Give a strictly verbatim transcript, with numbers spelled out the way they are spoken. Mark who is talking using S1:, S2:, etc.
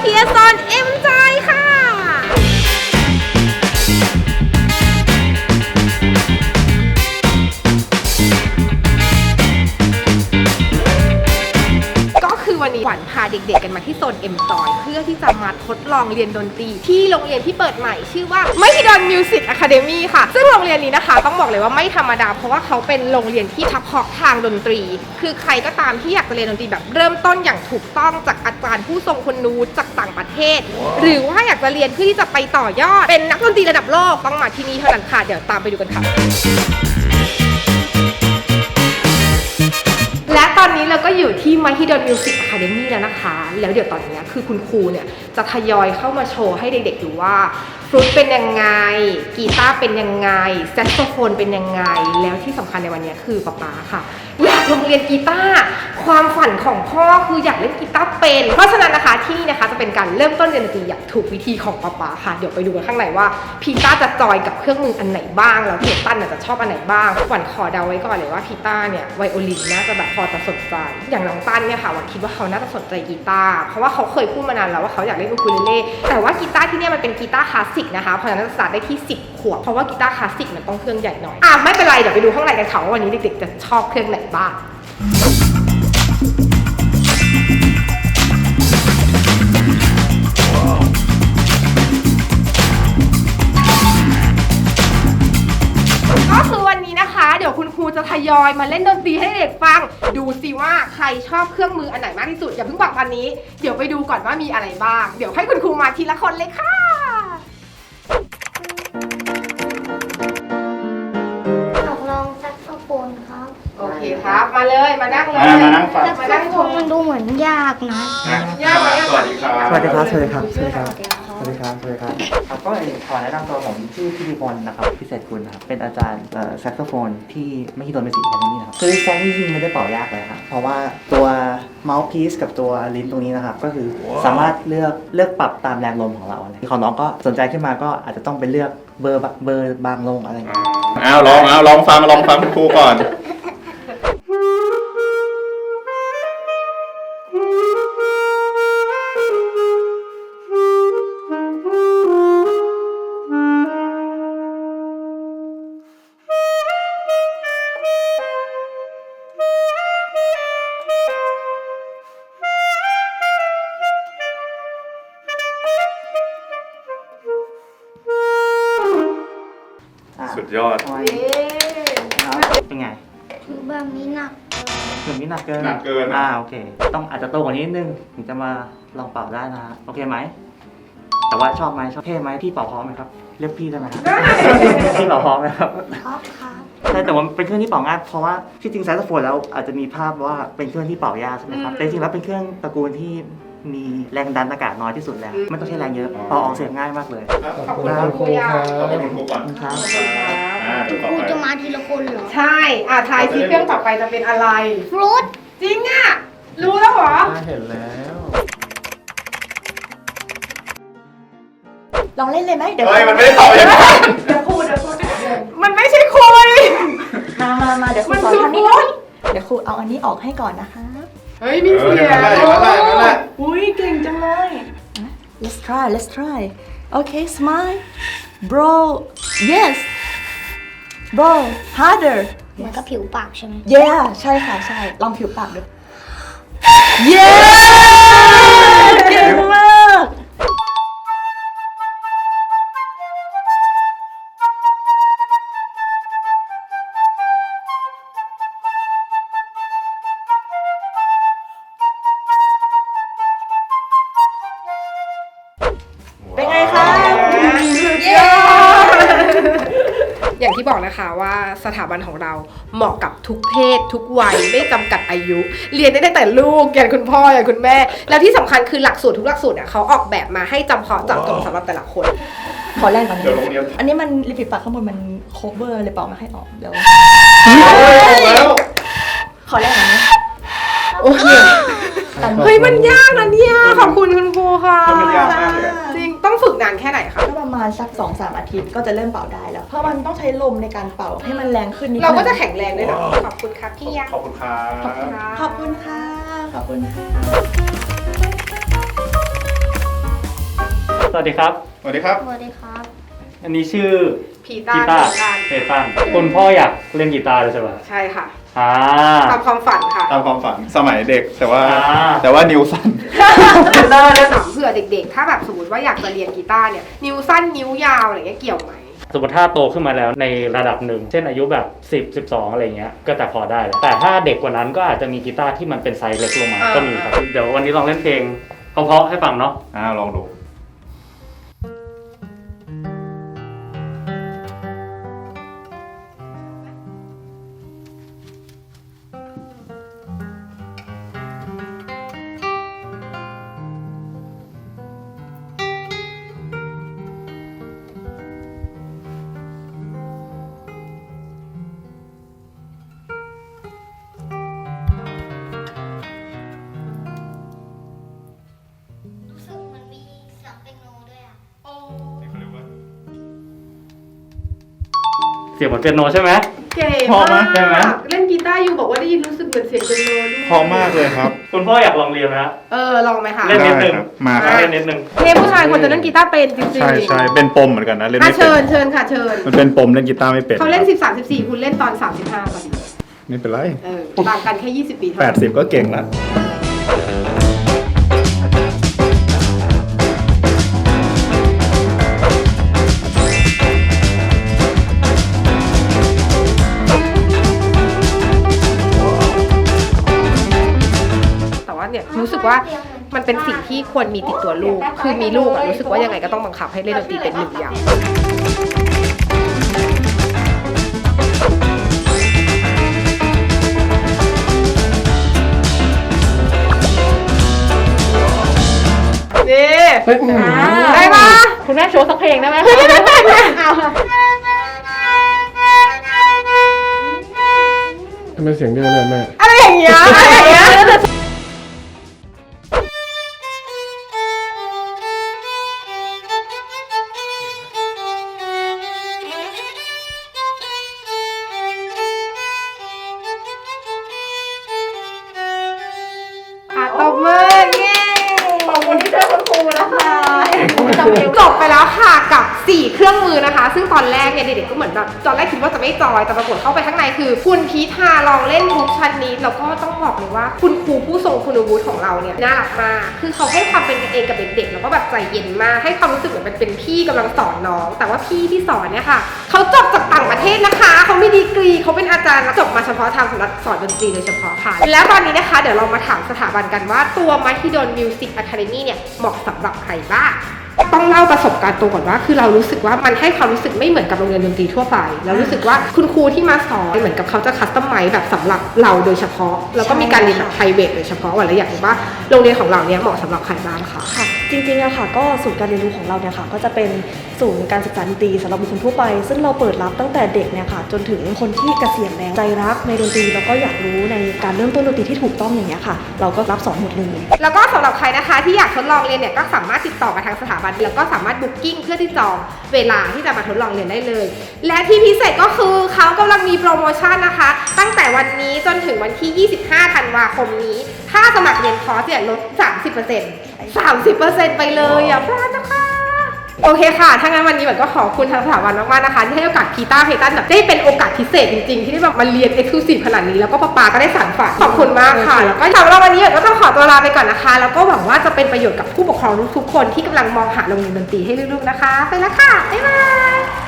S1: ทียซอนเอ็มจอยค่ะวันนี้ขวัญพาเด็กๆกันมาที่โซน เอ็ม จอย เพื่อที่จะมาทดลองเรียนดนตรีที่โรงเรียนที่เปิดใหม่ชื่อว่า Mahidol Music Academy ค่ะซึ่งโรงเรียนนี้นะคะต้องบอกเลยว่าไม่ธรรมดาเพราะว่าเขาเป็นโรงเรียนที่เฉพาะทางดนตรีคือใครก็ตามที่อยากจะเรียนดนตรีแบบเริ่มต้นอย่างถูกต้องจากอาจารย์ผู้ทรงคุณวุฒิจากต่างประเทศหรือว่าอยากจะเรียนเพื่อที่จะไปต่อยอดเป็นนักดนตรีระดับโลกต้องมาที่นี่เท่านั้นค่ะเดี๋ยวตามไปดูกันค่ะและตอนนี้เราก็อยู่ที่ Mahidol Music Academy แล้วนะคะแล้วเดี๋ยวตอนนี้คือคุณครูเนี่ยจะทยอยเข้ามาโชว์ให้เด็กๆดูว่าฟลุตเป็นยังไงกีตาร์เป็นยังไงแซกโซโฟนเป็นยังไงแล้วที่สำคัญในวันนี้คือป๊าป๊าค่ะอยากลงเรียนกีตาร์ความฝันของพ่อคืออยากเล่นกีตาร์เป็นเพราะฉะนั้นนะคะที่นี่นะคะจะเป็นการเริ่มต้นเรียนดนตรีอย่างถูกวิธีของป๊าป๊าค่ะเดี๋ยวไปดูกันข้างในว่าพีต้าจะจอยกับเครื่องมืออันไหนบ้างแล้วเทตันจะชอบอันไหนบ้างหวันขอเดาไว้ก่อนเลยว่าพีต้าเนี่ยไวโอลินน่าจะแบบพอจะสนใจอย่างน้องตั้นเนี่ยค่ะหวันคิดว่าเขาน่าจะสนใจกีตาร์เพราะว่าเขาเคยพูดมานานแล้วว่าเขาอยากเล่นอูคูเลเล่แต่ว่ากีตาร์ที่นี่มันเป็นกีตาร์คลาสสิกนะคะเพราะฉะนั้นจะสตาร์ทได้ที่สิบขวบเพราะว่ากีตาร์คลาสสิกมันต้องเครื่องใหญ่หน่อยอ่ะไม่เป็นไรเดี๋ยวไปดูข้างในกันค่ะว่าวันนี้เด็กๆจะชอบเครื่องไหนบ้างก็คือวันนี้นะคะเดี๋ยวคุณครูจะทยอยมาเล่นดนตรีให้เด็กฟังดูสิว่าใครชอบเครื่องมืออันไหนมากที่สุดอย่าเพิ่งบอกตอนนี้เดี๋ยวไปดูก่อนว่ามีอะไรบ้างเดี๋ยวให้คุณครูมาทีละคนเลยค่ะ
S2: อยากลองแซกโซโฟนครับ
S1: โอเคครับมาเลยมานั่งเลย
S3: มานั่งฟัง
S2: แซกโซโฟนมันดูเหมือนยากนะ
S1: ยากไหมสวัสดี
S3: ครับ
S4: สวัสดีครับ สวัสดีครับ สวัสดีครับ สวัสดีครับ สวัสดีครับครับก็ขอแนะนำตัวผมชื่อพิธีพลนะครับพิเศษกุลครับเป็นอาจารย์แซกโซโฟนที่Mahidol Music Academyนะครับคือแซกนี่จริงไม่ได้เป่ายากเลยครับเพราะว่าตัวเมาส์พีซกับตัวลิ้นตรงนี้นะครับก็คือสามารถเลือกเลือกปรับตามแรงลมของเราอะไรของน้องก็สนใจขึ้นมาก็อาจจะต้องไปเลือกเบอร์เบอร์บางลงอะไรอย่างเงี้ย
S3: อ้าวลองเอาลองฟังลองฟังคุณครูก่อนสุดยอด
S4: เป็นไง
S2: คือแบบนี้หนัก
S4: ถึงนี้หนักเกิน
S3: หนักเกิน
S4: อ่าโอเคต้องอาจจะโตกว่านี้นิดนึงถึงจะมาลองเป่าได้นะฮะโอเคไหมแต่ว่าชอบไหมชอบเท่ไหมพี่เป่าพร้อมไหมครับเรียกพี่ได้ไหมครับพี่เป่าพร้อมไหมครับ
S2: ชอบครับ
S4: ใช่แต่ว่าเป็นเครื่องที่เป่าง่ายเพราะว่าที่จริงแซกโซโฟนแล้วอาจจะมีภาพว่าเป็นเครื่องที่เป่ายากใช่ไหมครับแต่จริงๆแล้วเป็นเครื่องตระกูลที่มีแรงดันอากาศน้อยที่สุดแล้วไม่ต้องใช้แรงเยอะเป่าออกเสียงง่ายมากเลย
S1: ขอบคุณครูครับ
S3: ขอบคุณครูก่อน
S4: ครับ
S2: ครูจะมาทีละคนเหรอ
S1: ใช่อ่ะทายซิเครื่องต่อไปจะเป็นอะไร
S2: ฟลุต
S1: จริงอ่ะรู้แล้วเหรอ
S4: เห็นแล้ว
S5: ลองเล่นเลยไหมเดี๋ยว
S3: เฮ้ยมันไม่ได้ตอบอย่างนั้น
S5: เดี๋ยวพูดเดี๋ยวพูด
S1: มันไม่ใช่คุย
S5: มามามาเดี๋ยวครูสอนทำนี่เดี๋ยวครูเอาอันนี้ออกให้ก่อนนะคะ
S1: เฮ้ยมีเสียง
S5: อุ้ยเก่งจังเลย let's try let's try okay smile bro yes bro harder
S2: เหมือนกับผิวปากใช่ไหม
S5: yeah ใช่ค่ะใช่ลองผิวปากดู yeah เก่งมากเป็นไงคะ
S1: อย่างที่บอกนะคะว่าสถาบันของเราเหมาะกับทุกเพศทุกวัยไม่จำกัดอายุเรียนได้ตั้งแต่ลูกยันคุณพ่อยันคุณแม่แล้วที่สำคัญคือหลักสูตรทุกหลักสูตรเนี่ยเขาออกแบบมาให้จำเพาะเจาะจงสำหรับแต่ละคน
S5: ขอแรกก่อนนะอันนี้มันริบบิ้นปากข้างบนมันโคเวอร์เลยเปล่ามาให้ออกเดี๋ยวขอแรกก่อนนะ
S1: โอเคเฮ้ยมันยากนะเนี่ยขอบคุณคุณครูค่ะ
S3: มันยากมากเลย
S1: จริงต้องฝึกนานแค่ไหนคะ
S5: ก็ประมาณสัก สองถึงสาม อาทิตย์ก็จะเริ่มเป่าได้แล้วเพราะมันต้องใช้ลมในการเป่าให้มันแรงขึ้นนิดนึง
S1: เราก็จะแข็งแรงด้วยเนาะขอบคุณครับพี่ยักษ์
S3: ขอบคุณครับ
S5: ขอบคุณค่ะ
S4: ขอบคุณค่ะ
S6: สวัสดีครับ
S3: สวัสดีครับ
S2: สวัสดีครับ
S6: อันนี้ชื่อ
S1: พีต้า
S6: กีตาร์
S1: เพตัน
S6: เพตันคุณพ่ออยากเล่นกีตาร์เลยใช่ป่ะ
S1: ใช่ค่ะ
S6: อ่า
S1: ตามความฝันค่ะ
S3: ตามความฝันสมัยเด็กแต่ว่า
S6: อ่า
S3: แต่ว่านิ้วสั้น
S1: ได้แล้วถามเผื่อเด็กๆ ถ้าแบบสมมติว่าอยากจะเรียนกีตาร์เนี่ย นิ้วสั้นนิ้วยาวอะไรเงี้ยเกี่ยวไหม
S6: สมมติถ้าโตขึ้นมาแล้วในระดับหนึ่ง เช่นอายุแบบสิบ สิบสองอะไรเงี้ยก็จะพอได้แล้วแต่ถ้าเด็กกว่านั้นก็อาจจะมีกีตาร์ที่มันเป็นไซส์เล็กลงมา
S1: อ่า
S6: ก็มีครับเดี๋ยววันนี้ลองเล่นเพลงเพราะๆให้ฟังเนาะ
S3: อ่าลองดู
S2: รู้สึกมันมีเสียงเปียโนด้วยอ่ะ
S6: เสียงเหมือนเปียโนใช่ไหม
S1: เก๋
S3: พอไหม
S1: มาก
S6: ได้ไหม
S1: เล่นกีตาร์อยู่บอกว่าได้ยินรู้สึกเหมือนเสียงเป็นโนด้วย
S3: พอมากเลยครับ
S6: คุณพ่ออยากลองเรียนไหมฮะ
S1: เออลองไหมคะ
S6: เล่นนิดนึง
S3: ได้ครับมาครับ
S6: เล่นนิดนึง
S1: เพลงผู้ชายควรจะเล่นกีตาร์เป็นจริงๆ
S3: ใช่ใช่เป็นปมเหมือนกันนะเล่น
S1: อ่ะ
S3: ไม่เป็
S1: เชิญ
S3: น
S1: เชิญค่ะเชิญ
S3: มันเป็นปมเล่นกีตาร์ไม่เป็น
S1: เขาเล่นสิบสาม สิบสี่คุณเล่นตอนสามสิบห้าพอดี
S3: ไม่เป็นไร
S1: เออต่างกันแค่ยี่สิบปีเท่า
S3: แป
S1: นั้
S3: ด
S1: น
S3: สิบก็เก่งแล้ว
S1: แต่ว่าเนี่ยรู้สึกว่ามันเป็นสิ่งที่ควรมีติดตัวลูก คือมีลูกอะรู้สึกว่ายังไงก็ต้องบังคับให้เล่นดนตรีเป็นหนึ่งอย่าง นี่ได้ปะ
S5: คุณแม่โชว์สักเพลงได้ไหม
S1: ไม่ได้เป็นนะเอา
S7: ทำไมเสียงเดียวเลยแม่
S1: อะไรอย่างเงี้ยอะไรอย่างเงี้ยอ่ะตบมือเย้ขอบคุณที่ช่วยคุณครูนะคะจบไปแล้วค่ะกับสี่เครื่องมือนะคะ ซึ่งตอนแรกเนี่ยเด็กๆก็เหมือนแบบตอนแรกคิดว่าจะไม่จอยแต่ปรากฏเข้าไปข้างในคือ คุณพีทาลองเล่นทุกชั้นนี้แล้วก็ต้องบอกเลยว่าคุณครูผู้ทรงคุณวุฒิของเราเนี่ยน่ารักมากคือเขาให้ความเป็นกันเองกับเด็กๆแล้วก็แบบใจเย็นมากให้ความรู้สึกเหมือนมันเป็นพี่กำลังสอนน้อง แต่ว่าพี่ที่สอนเนี่ยค่ะเขาจบจากต่างประเทศนะคะเขามีดีกรีเขาเป็นอาจารย์จบมาเฉพาะทางสำหรับสอนดนตรีโดยเฉพาะค่ะแล้วตอนนี้นะคะเดี๋ยวเรามาถามสถาบันกันว่าตัว Mahidol Music Academy เนี่ยเหมาะสำหรับใครบ้าง ต้องเล่าประสบการณ์ตัวก่อนว่าคือเรารู้สึกว่ามันให้ความรู้สึกไม่เหมือนกับโรงเรียนดนตรีทั่วไปแล้วรู้สึกว่าคุณครูที่มาสอนเหมือนกับเขาจะคัสตอมไมซ์แบบสำหรับเราโดยเฉพาะแล้วก็มีการเรียนแบบไพรเวทโดยเฉพาะวันละอย่างว่าโรงเรียนของเราเนี่ยเหมาะสำหรับใครบ้างคะ
S5: ค่ะจริงๆอะค่ะก็ศูนย์การเรียนรู้ของเราเนี่ยค่ะก็จะเป็นศูนย์การศึกษาดนตรีสำหรับบุคคลทั่วไป ซึ่งเราเปิดรับตั้งแต่เด็กเนี่ยค่ะจนถึงคนที่เกษียณแล้วใจรักในดนตรีแล้วก็อยากรู้ในการเริ่มต้นดนตรีที่ถูกต้องอย่างเงี้ยค่ะ เราก็รับสอนหมดเลย
S1: แล้วก็สำหรับใครนะคะที่อยากทดลองเรียนเนี่ยก็สามารถติดต่อมาทางสถาบันแล้วก็สามารถบุ๊กิ้งเพื่อที่จองเวลาที่จะมาทดลองเรียนได้เลย และที่พิเศษก็คือเขากำลังมีโปรโมชั่นนะคะ ตั้งแต่วันนี้จนถึงวันที่ยี่สิบห้าธันวาคมนี้ถ้าสมัครเรียนคอร์สเนี่ยลด สามสิบเปอร์เซ็นต์ สามสิบเปอร์เซ็นต์ ไปเลยอย่าพลาดนะคะโอเคค่ะถ้างั้นวันนี้แบบก็ขอบคุณทางสถาบันมากๆนะคะที่ให้โอกาสพีต้าเพตันแบบได้เป็นโอกาสพิเศษจริงๆที่ได้แบบมาเรียนเอ็กซ์คลูซีฟขนาดนี้แล้วก็ป๊าป๊าก็ได้สานฝันขอบคุณมากค่ะแล้วก็สำหรับวันนี้ก็ต้องขอตัวลาไปก่อนนะคะแล้วก็หวังว่าจะเป็นประโยชน์กับผู้ปกครองทุกๆคนที่กำลังมองหาโรงเรียนดนตรีให้ลูกๆนะคะไปแล้วค่ะบ๊ายบาย